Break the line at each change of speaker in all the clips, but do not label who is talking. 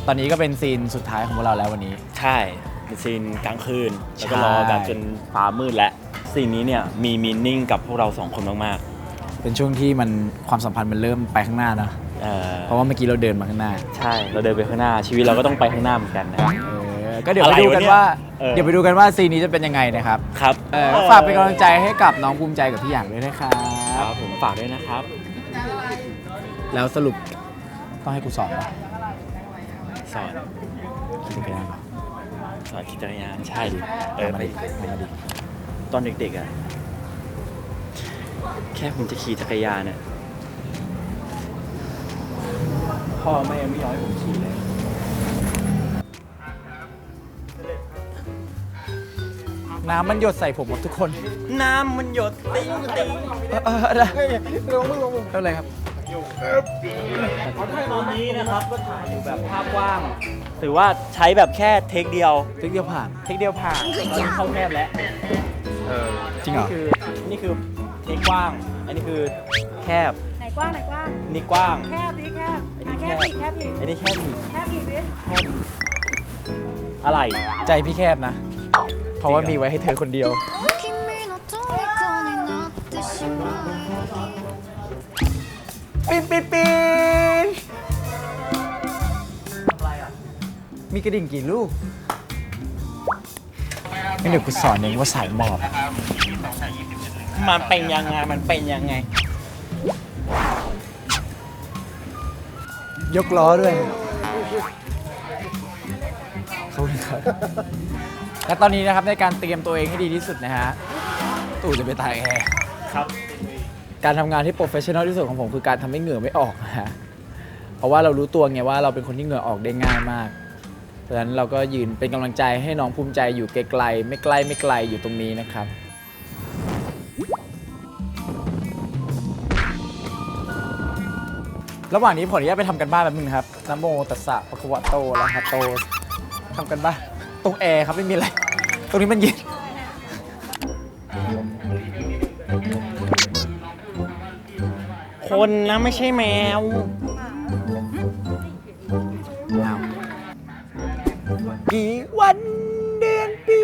ตอนนี้ก็เป็นซีนสุดท้ายของพวกเราแล้ววันนี้
ใช่เป็นซีนกลางคืนแล้วก็รอกันจนฟ้ามืดแล้วซีนนี้เนี่ยมีมีนิ่งกับพวกเรา2 คนมาก
เป็นช่วงที่มันความสัมพันธ์มันเริ่มไปข้างหน้านะเพราะว่าเมื่อกี้เราเดินมาข้างหน้า
ใช่เราเดินไปข้างหน้าชีวิตเราก็ต้องไปข้างหน้าเหมือนกันนะ
ก็เดี๋ยวไปดูกันว่าเดี๋ยวไปดูกันว่าซีนนี้จะเป็นยังไงนะครับ
ครับ
ฝากเป็นกำลังใจให้กับน้องภูมิใจกับพี่หยางด้วยนะครับ
ครับผมฝากด้วยนะครับ
แล้วสรุปต้องให้กูสอนป่ะ
สอน
ขี่จักรยาน
สอนขี่จักรยานใช่ดิ
มาดิ
ตอนเด็กๆอ่ะแค่ผมจะขี่จักรยานเนี่ยพ่อแม่ไม่ยอมให้ผมขี่เลย
น้ำมันหยดใส่ผมหมดทุกคน
น้ำมันหยดติ้งติ้ง
อะไรเท่าไรครับ
ตอนนี้นะครับก็ถ่ายอยู่แบบภาพว่างถือว่าใช้แบบแค่เทคเดียว
ผ่าน
ตอนนี้เข้าแคบแล้ว
จริงเหรอ
นี่คือเทคกว้างอันนี้คือแคบ
ไหนกว้าง
นี่กว้าง
แคบดิแคบอีก
อันนี้แคบอีก
ดิ
อะไร
ใจพี่แคบนะเพราะว่ามีไว้ให้เธอคนเดียวปีนมีกระดิ่งกี่ลูกไม่เดี๋ยวกูสอนเองว่าสายหมอบ
มันเป็นยังไง
ยกล้อด้วยเขาเลยครับและตอนนี้นะครับในการเตรียมตัวเองให้ดีที่สุดนะฮะตู่จะไปตายแอร์
ครับ
การทำงานที่โปรเฟชชั่นอลที่สุดของผมคือการทำให้เหงื่อไม่ออกนะฮะเพราะว่าเรารู้ตัวไงว่าเราเป็นคนที่เหงื่อออกได้ง่ายมากเพราะฉะนั้นเราก็ยืนเป็นกำลังใจให้น้องภูมิใจอยู่ไกลๆไม่ไกลอยู่ตรงนี้นะครับระหว่างนี้ผมขออนุญาตไปทำกันบ้านแป๊บนึงครับนะโมตัสสะภะคะวะโตอะระหะโตทำกันบ้านตรงแอร์ครับไม่มีอะไรตรงนี้มันเย็น
คนนะไม่ใช่แมว
กี่วันเดือนปี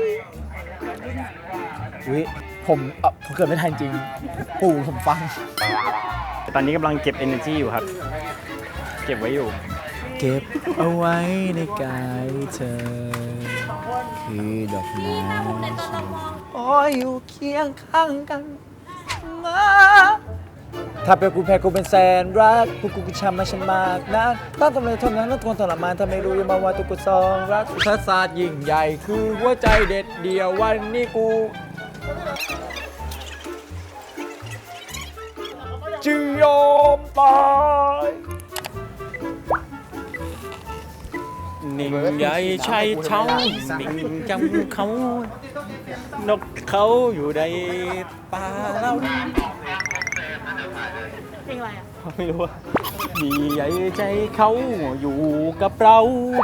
ผมเกิดไม่ทันจริงปู่ผมฟัง
ตอนนี้กำลังเก็บ energy อยู่ครับเก็บไว้อยู่
เก็บเอาไว้ในกายเธอคือดอกไม้โอ้ยอยู่เคียงข้างกันมาถ้าเป็นกูแพ้กูเป็นแสนรักพวกกูช้ำมาฉันมากนะต้องทำเลยทนนั้นแล้วทนทรมานถ้าไม่รู้ยังมาว่าตัวกูซองรักทัศศาสตร์ยิ่งใหญ่คือหัวใจเด็ดเดียววันนี้กูจะยอมตาย
นิ่งใหญ่ใช่เขานิ่งจำเขานกเขาอยู่ในป่าเรา
เพลงอะไรอ่ะ
ไม่รู้ว่าดีใหญ่ใจเขาอยู่กับเรา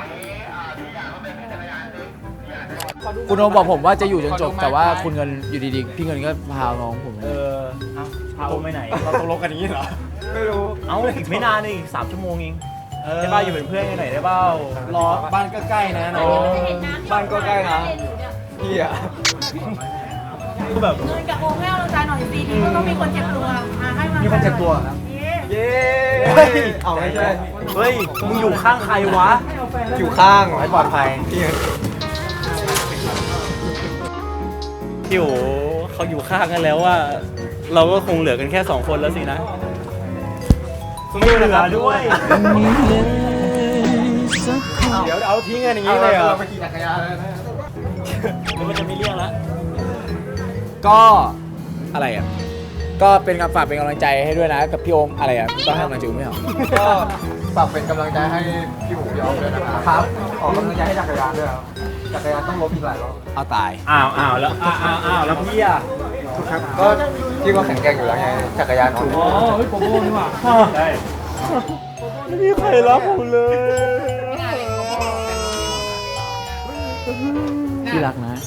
คุณโอบอกผมว่าจะอยู่จนจบแต่ว่าคุณเงินอยู่ดีๆพี่เงินก็พาน้องผม
พาผมไปไหน
เราตกลงกันอย่างนี้เหรอ
ไม่รู้อีกไม่นานอีก3 ชั่วโมงเองได้ป่าวอยู่เป็นเพื่อนกันหน่อยได้ป่าว
รอบ้านก็ใกล้นะน้องบ้านก็ใกล้นะพี่อะ
คือแบบ
เงินกับโอ่งให้เราใจหน่อยสิที่ก็ต้องมีคนเจ็บตัวให้มา
มีคนเจ็บตัวครับเย้เอาไม่ใช่
เฮ้ยมึงอยู่ข้างใครวะ
อยู่ข้างให้ปลอดภัย
พี่โอเขาอยู่ข้างกันแล้วว่าเราก็คงเหลือกันแค่2 คนแล้วสินะไม่เหลือด้วย
เดี๋ยวเอาทิ้งกันอย่างนี้เลยเหรอเราไปขี่จักรยานแล้วนะ
มันจะไม่เรียกแล้ว
ก็อะไรอ่ะก็เป็นฝากเป็นกำลังใจให้ด้วยนะกับพี่โอมอะไรอ่ะต้องให้กำลังใจไม่เหรอก็ฝากเป็นกำลังใจให้พี่หมูพี่ออมด้วยนะครับขอกำลังใจให้จักรยานด้วยครับจักรยานต้องลบอีกหลายรอบเอาตาย
แล้วพี่อ่ะ
ก็พี่ก็แข็งแกร่งอยู่แล้วไงจักรยาน
อ๋อเฮ้ยโปโป้นี่หว่าใช่ไม่มีใครรับผมเลย
พี่รักนะ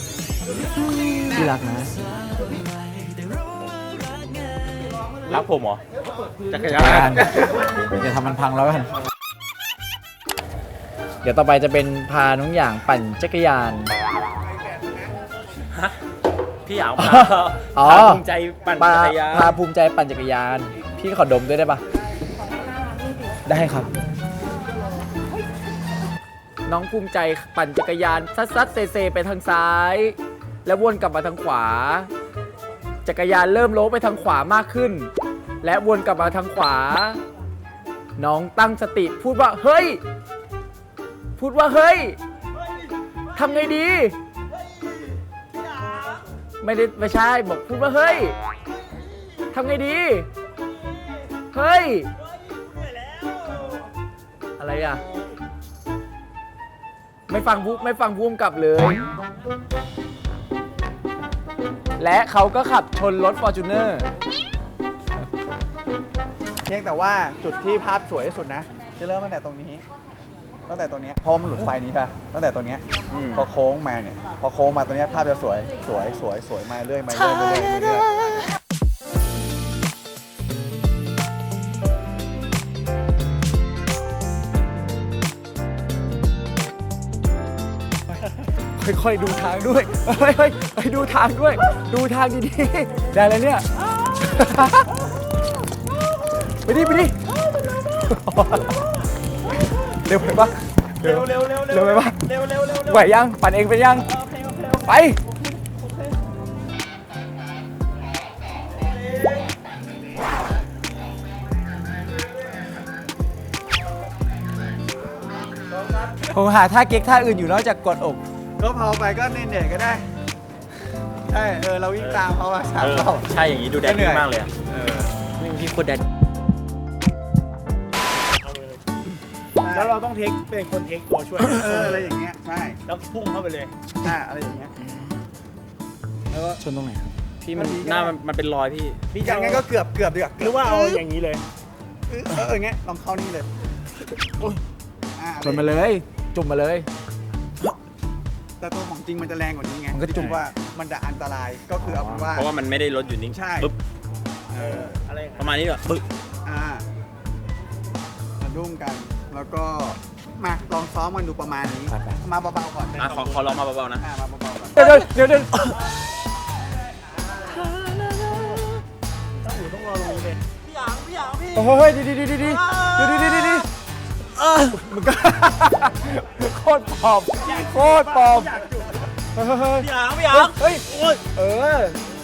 รักผมเหรอ
จักรยานอย่าทำมันพังแล้วกันเดี๋ยวต่อไปจะเป็นพาน้องอย่างปั่นจักรยาน
พี่อยาก
อ๋อ
พาภูมิใจปั่นจักรยาน
พาภูมิใจปั่นจักรยาน พี่ขอดมด้วยได้ปะได้ครับ น้องภูมิใจปั่นจักรยานซัดๆเซไปทางซ้าย แล้ววนกลับมาทางขวา จักรยานเริ่มโล้ไปทางขวามากขึ้น และวนกลับมาทางขวา น้องตั้งสติพูดว่าเฮ้ย พูดว่าเฮ้ยทำไงดี ไม่ใช่บอกพูดว่าเฮ้ยทำไงดี เฮ้ย อะไรอ่ะ ไม่ฟังพุ่มกลับเลย และเขาก็ขับชนรถ Fortuner
เพียงแต่ว่าจุดที่ภาพสวยที่สุดนะ จะเริ่มตั้งแต่ตรงนี้ ตั้งแต่ตรงนี้เพราะมันหลุดไฟนี้ค่ะตั้งแต่ตรงนี้พอโค้งมาเนี่ยพอโค้งมาตรงนี้ภาพจะสวยมาเรื่อย
ค่อยๆดูทางด้วยเฮ้ยดูทางด้วย ดูทางดีๆ ได้แล้วเนี่ย ไปดิเร็วไปปะเร็วไปปะไหวยังปั่นเองเป็นยังไปผมหาท่าเก๊กท่าอื่นอยู่นอกจากกดอก
ก็พอไปก็เน่ๆก็ได้ใช่เราวิ่งตามเขามาสามรอบ
ใช่อย่างนี้ดูแดนดี้มากเลยอ่ะพี่โคตรแดน
แล้วเราต้องเป็นคนเทคตัวช่วย
อะไรอย่างเงี้ยใช่
แล้วพุ่งเข้าไปเลย
อะไรอย่างเงี้ย
ชนตรงไหนครับ
พี่มันหน้ามันเป็นรอยพี่
พี่จะ
อย่างงั้นก็เกือบดีกว่า
หรือว่าเอาอย่างนี้เลย
อย่างเงี้ยลองเข้านี่เลย
ชนมาเลย จุ่มมาเลย
แต่ตัวของจริงมันจะแรงกว่านี้ไง
มันก็จุ่ม
ว่ามันจะอันตรายก็คือเอาเป็นว่า
เพราะว่ามันไม่ได้รถอยู่นิ่ง
ใช่
ปึ๊บ
อะไร
ประมาณนี้แบบปึ๊บ
มาดุ้มกัน แล้วก็มาลองซ้อมกันดูประมาณนี้
ไป
มาเบาๆก่อน
ขอลองมาเบาๆนะ
มาเบาๆก่อน
เดี๋ยว
ต้องรอตรงนี้เลย
โอ้ยดีมันก็โคตรปลอมเฮ้ย
พี่หาง
เฮ้ยเออ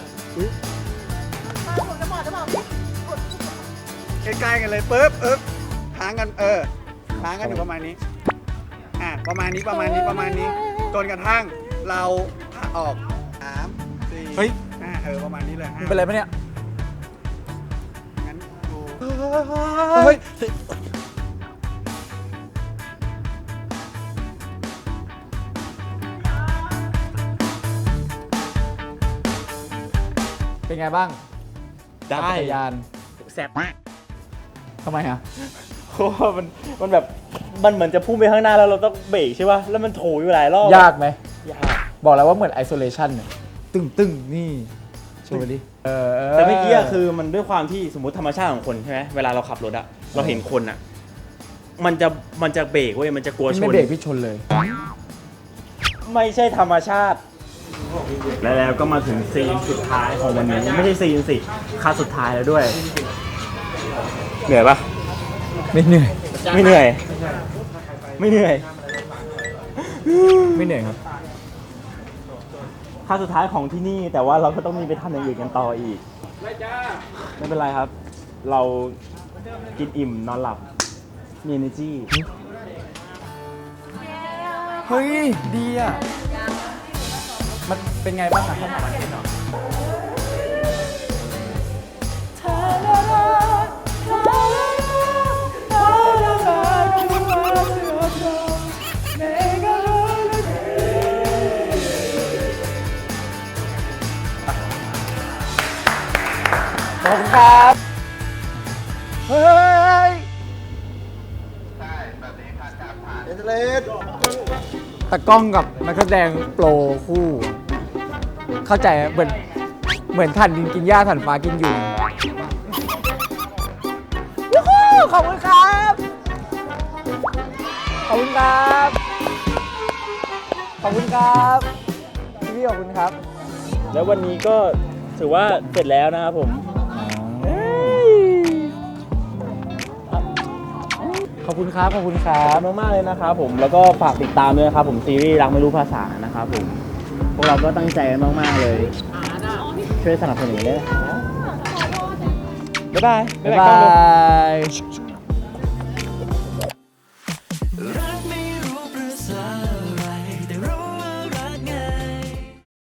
ใกล้ๆกันเลยปึ๊บค้างกันค้างกันอยู่ประมาณนี้ประมาณนี้จนกระทั่งเราออก3 4
เฮ้ย
5ประมาณนี้เลย
มึงเป็นไรปะเนี่ย
งั้นดู
เฮ้ยเป็นไงบ้าง
ได้
จักรยาน
แซ่บมาก
ทำไมอ่ะ
เพราะว่ามันแบบมันเหมือนจะพุ่งไปข้างหน้าแล้วเราต้องเบรกใช่ป่ะแล้วมันโถอยู่หลายรอบ
ยากไหม
ยาก
บอกแล้วว่าเหมือน isolation เนี่ยตึงนี่โชว์ไปดิ
แต่เมื่อกี้คือมันด้วยความที่สมมติธรรมชาติของคนใช่ไหมเวลาเราขับรถอะเราเห็นคนอะมันจะเบรกเว้ยมันจะกลัวช
ไม่
น
เบรกพี่ชนเลย
ไม่ใช่ธรรมชาติ แล้วก็มาถึงซีนสุดท้ายของวันนี้ไม่ใช่ซีนสิคัสสุดท้ายแล้วด้วยเหนื่อยปะ
ไม่เหนื่อย
ไม่เหนื่อย ไม่เหนื่อย
ไม่เหนื่อยครับ
คัสสุดท้ายของที่นี่แต่ว่าเราก็ต้องมีไปทำอย่างอื่นกันต่ออีกไม่เป็นไรครับ เรากินอิ่มนอนหลับมี energy
เฮ้ย ดีอ่ะ มันเป็นไงบ้างอ่ะขอบคุณครับ เฮ้ย ตากล้องกับนักแสดงโปรคู่ เข้าใจไหมเหมือนถ่านดินกินหญ้าถ่านฟ้ากินยุงยูฮูขอบคุณครับ
ขอบคุณครับ ขอบคุณครับพี่ขอบคุณครับ
แล้ววันนี้ก็ถือว่าเสร็จแล้วนะครับผม
ขอบคุณครับ ขอบคุณครั
ขอ
บบ
คุณมากๆเลยนะครับผมแล้วก็ฝากติดตามด้วยนะครับผมซีรีส์รักไม่รู้ภาษานะครับผมพวกเราก็ตั้งใจกันมากๆเลย ช่วยสนับสนุนด้วยนะครับบ๊ายบาย
บ๊ายบาย